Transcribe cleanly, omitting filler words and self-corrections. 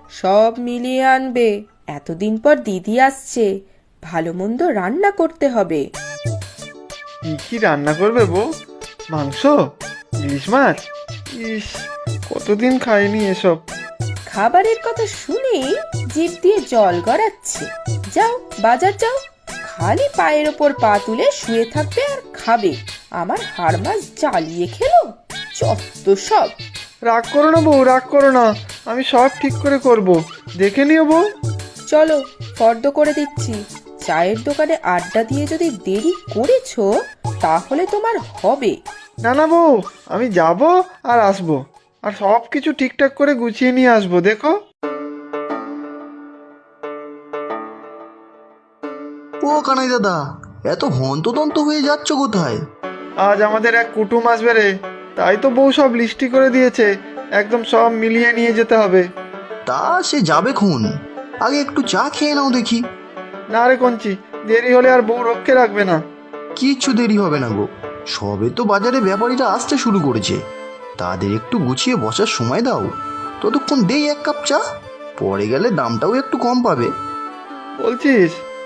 সব মিলিয়ে আনবে। এতদিন পর দিদি আসছে, ভালো মন্দ রান্না করতে হবে। কি কি রান্না করবে বউ? মাংস? ইলিশ মাছ? ইস, কতদিন খাইনি এসব। খাবারের কথা শুনেই জিভ দিয়ে জল গড়াচ্ছে। যাও, বাজার যাও। খালি পায়ের ওপর পা তুলে শুয়ে থাকবে আর খাবে। আমার হাড় মাছ জ্বালিয়ে খেলো, যত সব। রাগ করো না বউ, রাগ করো না, আমি সব ঠিক করে করব, দেখে নিও বউ। চলো, ফর্দ করে দিচ্ছি। চায়ের দোকানে আড্ডা দিয়ে যদি দেরি করেছো তাহলে তোমার হবে। না না বউ, আমি যাব আর আসবো, আর সব কিছু ঠিকঠাক করে গুছিয়ে নিয়ে আসবো, দেখো। ও কানাই দাদা, এত হন্তদন্ত হয়ে যাচ্ছ কোথায়? আজ আমাদের এক কুটুম আসবে রে, তাই তো বউ সব লিস্টি করে দিয়েছে, একদম সব মিলিয়ে নিয়ে যেতে হবে। তা সে যাবে খুন, আগে একটু চা খেয়ে নাও দেখি। না রে কঞ্চি, দেরি হলে আর বউ রক্ষে রাখবে না। কিচ্ছু দেরি হবে না গো, সবে তো বাজারে ব্যাপারীরা আসতে শুরু করেছে, তাদের একটু গুছিয়ে বসার সময় দাও। ততক্ষণ দেই এক কাপ চা, পরে গেলে দামটাও একটু কম পাবে। বলছিস?